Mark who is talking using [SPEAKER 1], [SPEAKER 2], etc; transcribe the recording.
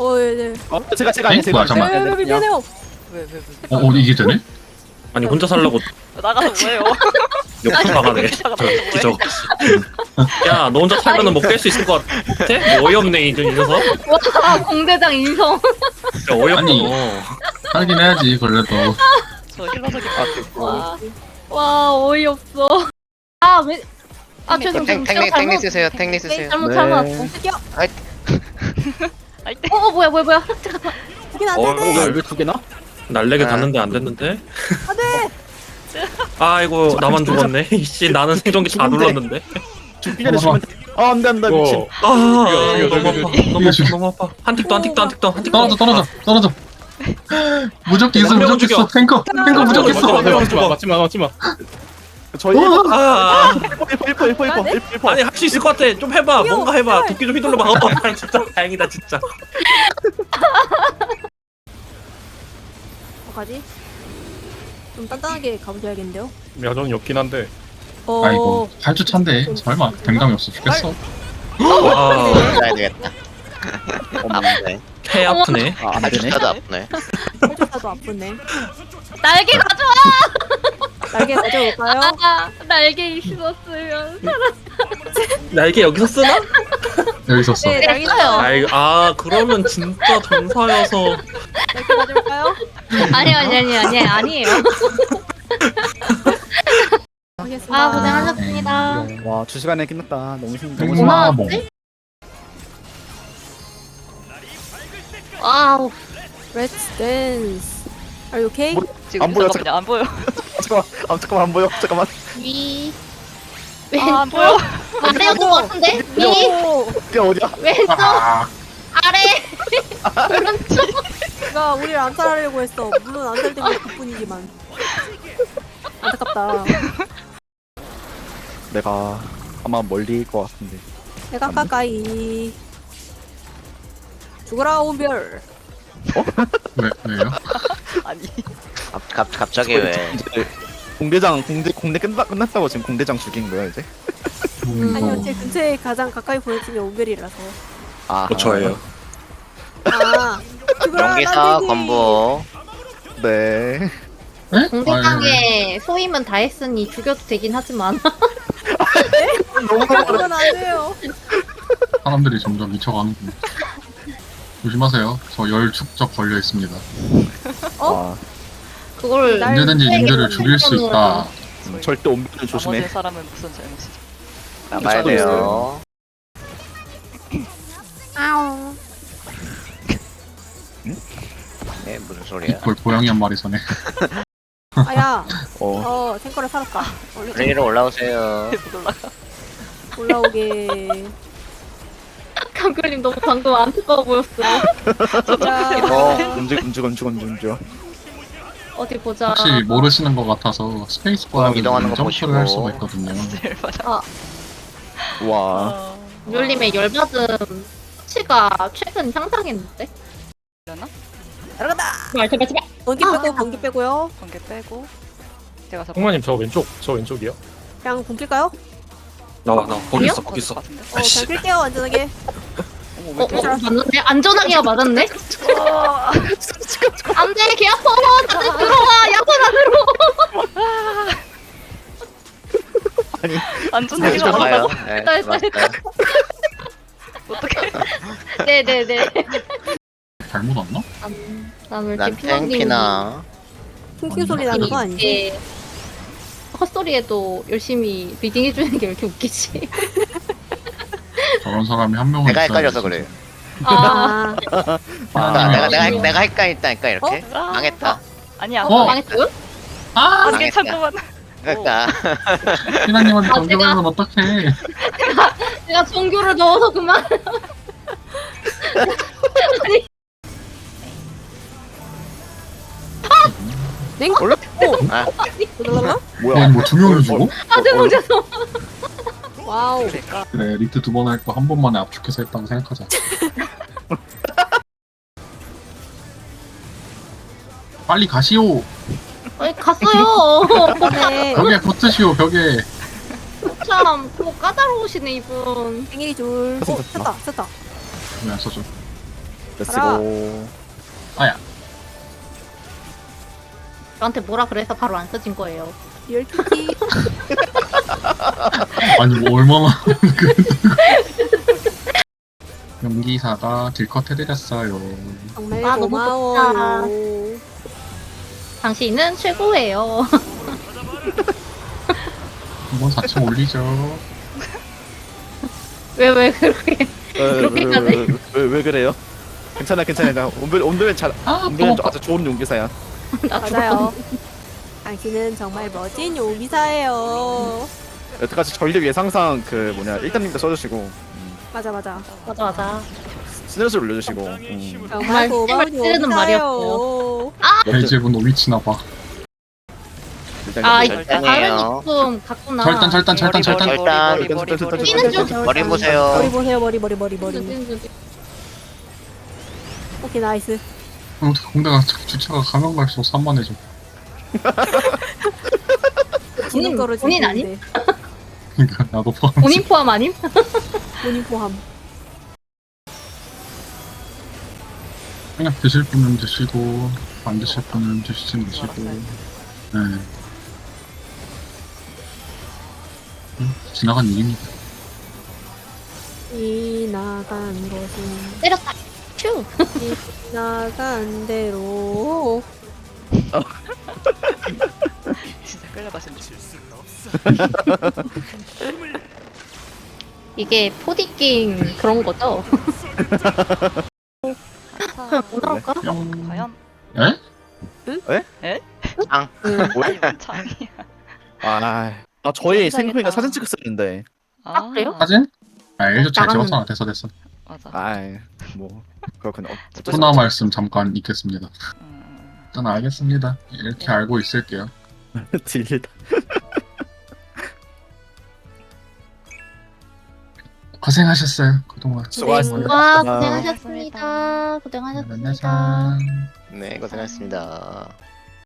[SPEAKER 1] 네.
[SPEAKER 2] 제가 아니에요.
[SPEAKER 3] 뭐야, 잠깐만.
[SPEAKER 1] 미안해요.
[SPEAKER 4] 왜?
[SPEAKER 3] 이게 되네?
[SPEAKER 5] 아니 혼자 살라고
[SPEAKER 4] 나가서 뭐해요?
[SPEAKER 5] 옆으로 나가네. 저거. 야, 너 혼자 살면은 뭐 깰 수 있을 것 같아? 뭐 어이없네 이 녀석.
[SPEAKER 6] 와 공대장 인성.
[SPEAKER 5] 진짜 어이없어.
[SPEAKER 3] 아니. 하긴 해야지 그래도.
[SPEAKER 4] 저 힐러석이 바뀌고.
[SPEAKER 6] 와 어이없어. 아 왜? 아 죄송
[SPEAKER 7] 탱리 쓰세요. 탱리 쓰세요.
[SPEAKER 6] 잘못
[SPEAKER 1] 뛰어.
[SPEAKER 4] 아이 때.
[SPEAKER 6] 뭐야 잠깐만.
[SPEAKER 1] 이긴 안
[SPEAKER 5] 어,
[SPEAKER 1] 되네.
[SPEAKER 2] 왜 두 개나?
[SPEAKER 5] 날래게 갔는데 안 됐는데.
[SPEAKER 1] 안돼.
[SPEAKER 5] 아이고 나만 죽었네. 씨 나는 생존기 다 눌렀는데.
[SPEAKER 2] 죽기 전에 죽으면 돼. 안돼 미친.
[SPEAKER 5] 너무 아파. 한 틱도.
[SPEAKER 3] 떨어져. 무적기 있어, 무적기 있어. 탱커 무적기 있어.
[SPEAKER 2] 맞지마. 저희
[SPEAKER 5] 아,
[SPEAKER 2] 1퍼.
[SPEAKER 5] 아니 할 수 있을 것 같아. 좀 해봐. 뭔가 해봐. 도끼 좀 휘둘러봐. 진짜 다행이다 진짜.
[SPEAKER 1] 뭐가지? 좀 단단하게 가보셔야겠는데요.
[SPEAKER 2] 야정이 없긴 한데.
[SPEAKER 3] 아이고 8주 차인데 설마 댕감이 없어 죽겠어.
[SPEAKER 5] 와,
[SPEAKER 7] 가야 되겠다. 아프네.
[SPEAKER 5] 폐 아프네.
[SPEAKER 2] 안 되네.
[SPEAKER 7] 진짜도 아프네.
[SPEAKER 1] 혈조사도 아프네.
[SPEAKER 6] 날개 가져와.
[SPEAKER 1] 날개 가져올까요?
[SPEAKER 6] 날개 있었으면.
[SPEAKER 5] 날개 여기서 쓰나?
[SPEAKER 3] 여기 있었어.
[SPEAKER 1] 네, 날개 있어요.
[SPEAKER 5] 아 그러면 진짜 전사여서.
[SPEAKER 1] 날개 가져올까요?
[SPEAKER 6] 아니에요.
[SPEAKER 1] 알겠습니다.
[SPEAKER 6] 아 고생하셨습니다.
[SPEAKER 2] 와 2시간에 끝났다. 너무 힘들어.
[SPEAKER 3] 땡마봉.
[SPEAKER 6] 와우.
[SPEAKER 1] Let's dance. Are you okay?
[SPEAKER 4] 지금
[SPEAKER 2] 안 보여,
[SPEAKER 4] 잠깐만요. 안 보여.
[SPEAKER 2] 잠깐만 안 보여. 잠깐만.
[SPEAKER 6] 위.
[SPEAKER 4] 안 보여.
[SPEAKER 6] 아래였던 것 같은데? 위.
[SPEAKER 1] 오!
[SPEAKER 2] 이게 어디야?
[SPEAKER 6] 왼쪽. 아래. 오른쪽.
[SPEAKER 1] 누가 우리를 안살하려고 했어. 물론 안살되고 그뿐이지만. 안타깝다.
[SPEAKER 2] 내가 아마 멀리일 것 같은데.
[SPEAKER 1] 내가 가까이. 죽어라 온별.
[SPEAKER 3] 왜요?
[SPEAKER 4] 아니.
[SPEAKER 7] 갑자기 왜?
[SPEAKER 2] 공대 끝났다고 지금 공대장 죽인 거야 이제?
[SPEAKER 1] 아니요, 제 근처에 가장 가까이 보는 팀이 온별이라서.
[SPEAKER 2] 아
[SPEAKER 5] 저예요.
[SPEAKER 1] 아, 죽어라
[SPEAKER 7] 용기사
[SPEAKER 1] 난쟁이.
[SPEAKER 7] 건보.
[SPEAKER 2] 네.
[SPEAKER 3] 에?
[SPEAKER 6] 공대장에 소임은 다 했으니 죽여도 되긴 하지만.
[SPEAKER 1] 그건 안 돼요.
[SPEAKER 3] 사람들이 점점 미쳐가는군. 조심하세요. 저 열 축적 걸려 있습니다.
[SPEAKER 2] 아
[SPEAKER 6] 그걸
[SPEAKER 1] 날-
[SPEAKER 3] 언제든지 님들을 죽일 수 있다.
[SPEAKER 2] 절대 옴비는 조심해.
[SPEAKER 4] 나머지 사람은 무슨 잘못이죠?
[SPEAKER 7] 나가야 돼요.
[SPEAKER 6] 아우.
[SPEAKER 7] 네 무슨 소리야?
[SPEAKER 3] 이걸 고양이 한 마리 선에.
[SPEAKER 1] 아야,
[SPEAKER 2] 어.
[SPEAKER 1] 탱커를 살았다. 얼른
[SPEAKER 7] 플레이로 올라오세요.
[SPEAKER 4] 못 올라가.
[SPEAKER 1] 올라오게.
[SPEAKER 6] 강글님 너무 방금 안타까워 보였어요.
[SPEAKER 1] 자,
[SPEAKER 2] 움직여.
[SPEAKER 6] 어디 보자.
[SPEAKER 3] 혹시 모르시는 것 같아서 스페이스바를
[SPEAKER 7] 이동하는 거
[SPEAKER 3] 점프를 할
[SPEAKER 7] 보시고.
[SPEAKER 3] 수가 있거든요.
[SPEAKER 4] 제일 맞아.
[SPEAKER 2] 와.
[SPEAKER 6] 뮬님의 열받음 수치가 최근 향상했는데?
[SPEAKER 1] 들어간다.
[SPEAKER 6] 제발.
[SPEAKER 1] 번개 빼고 번개 빼고요.
[SPEAKER 4] 번개 빼고. 제가 잡고.
[SPEAKER 5] 홍마님 저 왼쪽이요?
[SPEAKER 1] 그냥 굶길까요?
[SPEAKER 5] 나와 거기 있어
[SPEAKER 4] 거기 있을 것 같은데.
[SPEAKER 1] 그냥 낄게요 안전하게.
[SPEAKER 6] 맞는데? 안전하게가 맞았네? 안돼 개 아파 다들 들어와 야선 안으로.
[SPEAKER 4] 안전하게
[SPEAKER 7] 좀 봐요.
[SPEAKER 4] 잡아.
[SPEAKER 7] 네,
[SPEAKER 6] 됐다.
[SPEAKER 7] 맞아요.
[SPEAKER 4] 어떻게?
[SPEAKER 6] 네네네.
[SPEAKER 3] 잘못 왔나?
[SPEAKER 6] 난
[SPEAKER 7] 난 탱키나.
[SPEAKER 1] 킹킹 소리 나는 거 아니지?
[SPEAKER 6] 헛소리에도 열심히 리딩 해주는 게 왜 이렇게 웃기지?
[SPEAKER 3] 저런 사람이 한 명은
[SPEAKER 7] 내가
[SPEAKER 3] 있어야지.
[SPEAKER 7] 헷갈려서 그래요.
[SPEAKER 6] 아,
[SPEAKER 7] 내가 헷갈렸다니까 이렇게. 망했다.
[SPEAKER 4] 아니야.
[SPEAKER 6] 망했어요?
[SPEAKER 3] 아!
[SPEAKER 4] 아, 괜찮구만.
[SPEAKER 7] 그러니까
[SPEAKER 3] 피나님한테
[SPEAKER 6] 아,
[SPEAKER 3] 정겨보면 어떡해.
[SPEAKER 6] 내가 종교를 넣어서 그만.
[SPEAKER 1] 냉?
[SPEAKER 7] 원래
[SPEAKER 1] 아, 그러나?
[SPEAKER 2] 뭐야?
[SPEAKER 3] 뭐 두 명이 죽어?
[SPEAKER 6] 죄송.
[SPEAKER 1] 와우.
[SPEAKER 3] 그래 리트 두 번 할 거 한 번만에 압축해서 했다고 생각하자. 빨리 가시오.
[SPEAKER 6] 아니 갔어요.
[SPEAKER 1] 네.
[SPEAKER 3] 벽에 붙으시오 벽에.
[SPEAKER 6] 참, 뭐 까다로우시네 이분.
[SPEAKER 1] 생일이 둘. 오, 쳤다.
[SPEAKER 3] 왜 안 써줘?
[SPEAKER 2] 렛츠고.
[SPEAKER 3] 아야.
[SPEAKER 6] 저한테 뭐라 그래서 바로 안 써진 거예요.
[SPEAKER 1] 리얼 키티.
[SPEAKER 3] 아니 뭐 얼마나 연기사가 딜컷 해드렸어요.
[SPEAKER 1] 정말
[SPEAKER 6] 아, 너무
[SPEAKER 1] 고마워요.
[SPEAKER 6] 당신은 최고예요.
[SPEAKER 3] 한번 4층 올리죠.
[SPEAKER 6] 왜 그렇게 그렇게까지?
[SPEAKER 2] 왜 그래요? 괜찮아 괜찮아. 온도면 잘.
[SPEAKER 3] 아
[SPEAKER 2] 온도면
[SPEAKER 3] 또
[SPEAKER 2] 아주 좋은 용기사야.
[SPEAKER 6] 나
[SPEAKER 1] 맞아요. 당신은 정말 멋진 요기사예요.
[SPEAKER 2] 여태까지 전리 예상상 그 뭐냐 1단님도 써주시고
[SPEAKER 1] 맞아 맞아.
[SPEAKER 6] 맞아.
[SPEAKER 2] 스트레스 올려주시고.
[SPEAKER 1] 정말 고마운
[SPEAKER 6] 찌르는
[SPEAKER 1] 요기사예요.
[SPEAKER 3] 벨제분 오미치나봐.
[SPEAKER 6] 아,
[SPEAKER 2] 일단
[SPEAKER 6] 다른
[SPEAKER 7] 절단이에요.
[SPEAKER 6] 이품 갔구나.
[SPEAKER 3] 절단
[SPEAKER 6] 뛰는 중.
[SPEAKER 7] 머리 보세요.
[SPEAKER 1] 머리 보세요 머리. 오케이 나이스.
[SPEAKER 3] 공대가 주차가 가면 갈수록 산만해져.
[SPEAKER 1] 지는 거로
[SPEAKER 6] 본인 아님?
[SPEAKER 3] 그러니까 나도 포함.
[SPEAKER 6] 본인 포함 아님?
[SPEAKER 1] 본인 포함.
[SPEAKER 3] 그냥 드실 분은 드시고 안 드실 분은 드시지 마시고. 네. 지나간 일입니다.
[SPEAKER 1] 지나간 것은
[SPEAKER 6] 때렸다. 슈.
[SPEAKER 1] 지나간 대로.
[SPEAKER 4] 진짜 끌려가신다.
[SPEAKER 6] 이게 포디깅 그런 거죠? 뭐 나올까?
[SPEAKER 3] 뿅.
[SPEAKER 4] 과연?
[SPEAKER 3] 에?
[SPEAKER 7] 앙.
[SPEAKER 4] 아니면 창이야.
[SPEAKER 2] 아 저희
[SPEAKER 4] 세상에다.
[SPEAKER 2] 생각보니까 사진 찍었었는데.
[SPEAKER 6] 아, 그래요?
[SPEAKER 3] 사진? 아 일도 잘
[SPEAKER 6] 나가는-
[SPEAKER 3] 찍었잖아. 됐어.
[SPEAKER 4] 맞아.
[SPEAKER 2] 뭐 그렇군요.
[SPEAKER 3] 소나 말씀 잠깐 있겠습니다.
[SPEAKER 4] 음,
[SPEAKER 3] 일단 알겠습니다. 이렇게 알고 있을게요.
[SPEAKER 2] 딜다.
[SPEAKER 3] 고생하셨어요. 그동안.
[SPEAKER 2] 수고하셨습니다.
[SPEAKER 6] 와,
[SPEAKER 2] 아.
[SPEAKER 6] 고생하셨습니다. 고생하셨습니다.
[SPEAKER 3] 만나자.
[SPEAKER 7] 네, 고생하셨습니다.